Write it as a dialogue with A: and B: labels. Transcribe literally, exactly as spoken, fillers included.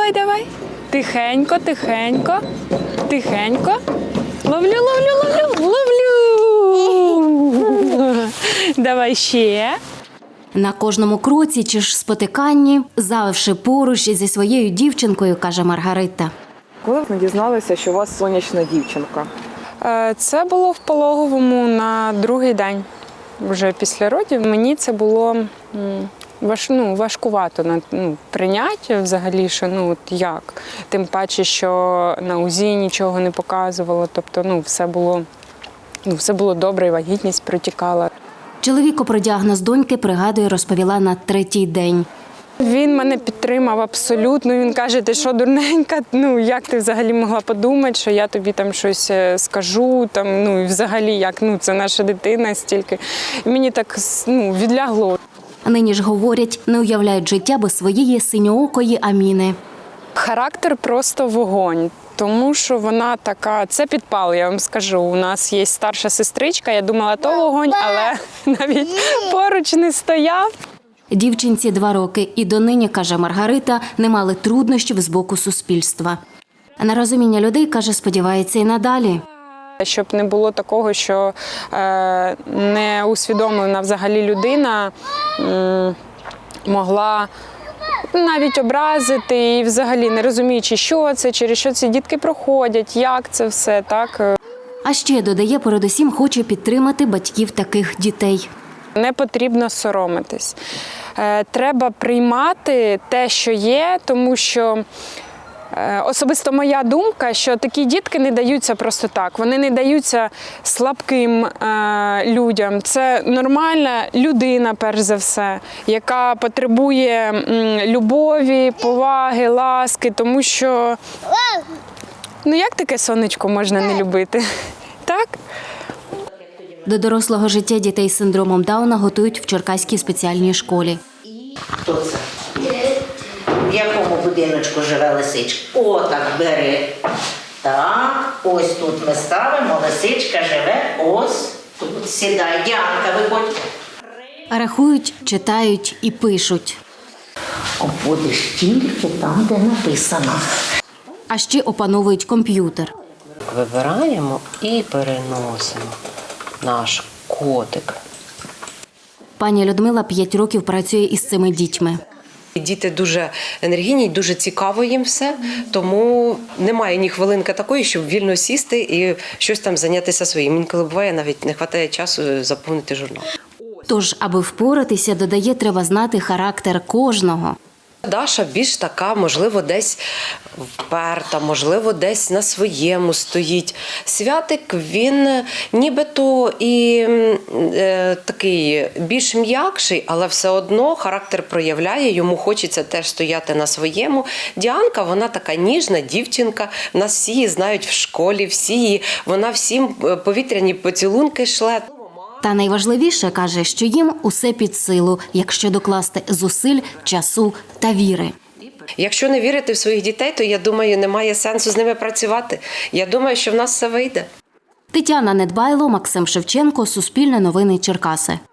A: давай, давай. Тихенько, тихенько, тихенько. Ловлю, ловлю, ловлю, ловлю. Давай ще.
B: На кожному кроці чи ж спотиканні, завжди поруч зі своєю дівчинкою, каже Маргарита.
C: Коли ви дізналися, що у вас сонячна дівчинка?
A: Е, Це було в пологовому на другий день, вже після родів. Мені це було м, важ, ну, важкувато на ну, прийняття взагалі, що ну от як. Тим паче, що на УЗІ нічого не показувало, тобто ну, все було, ну, все було добре, і вагітність протікала.
B: Чоловіку про діагноз доньки, пригадує, розповіла на третій день.
A: Він мене підтримав абсолютно. Він каже, ти що, дурненька, ну як ти взагалі могла подумати, що я тобі там щось скажу, там, ну і взагалі, як, ну це наша дитина стільки. І мені так ну, відлягло.
B: Нині ж, говорять, не уявляють життя без своєї синьоокої Аміни.
A: Характер просто вогонь. Тому що вона така, це підпал, я вам скажу. У нас є старша сестричка, я думала, то вогонь, але навіть поруч не стояв.
B: Дівчинці два роки і донині, каже Маргарита, не мали труднощів з боку суспільства. На розуміння людей, каже, сподівається і надалі.
A: Щоб не було такого, що е, неусвідомлена взагалі людина м, могла навіть образити і взагалі не розуміючи, що це, через що ці дітки проходять, як це все, так.
B: А ще, додає, передусім хоче підтримати батьків таких дітей.
A: Не потрібно соромитись. Е, Треба приймати те, що є, тому що е, особисто моя думка, що такі дітки не даються просто так. Вони не даються слабким е, людям. Це нормальна людина, перш за все, яка потребує м, любові, поваги, ласки, тому що, ну як таке сонечко можна не любити? Так?
B: До дорослого життя дітей з синдромом Дауна готують в Черкаській спеціальній школі.
D: Хто це? В якому будиночку живе лисичка? О, так, бери. Так, ось тут ми ставимо, лисичка живе, ось тут. Сідай, Діанка, виходь.
B: Рахують, читають і пишуть.
D: Обводиш тільки там, де написано.
B: А ще опановують комп'ютер.
E: Вибираємо і переносимо наш котик.
B: Пані Людмила п'ять років працює із цими дітьми.
E: Діти дуже енергійні, дуже цікаво їм все, тому немає ні хвилинки такої, щоб вільно сісти і щось там зайнятися своїм. Інколи буває, навіть не вистачає часу заповнити журнал.
B: Тож, аби впоратися, додає, треба знати характер кожного.
E: Даша більш така, можливо, десь вперта, можливо, десь на своєму стоїть. Святик, він нібито і е, такий більш м'якший, але все одно характер проявляє, йому хочеться теж стояти на своєму. Діанка, вона така ніжна дівчинка, нас всі її знають в школі, всі її, вона всім повітряні поцілунки шле.
B: Та найважливіше, каже, що їм усе під силу, якщо докласти зусиль, часу та віри.
E: Якщо не вірити в своїх дітей, то, я думаю, немає сенсу з ними працювати. Я думаю, що в нас все вийде.
B: Тетяна Недбайло, Максим Шевченко, Суспільне новини Черкаси.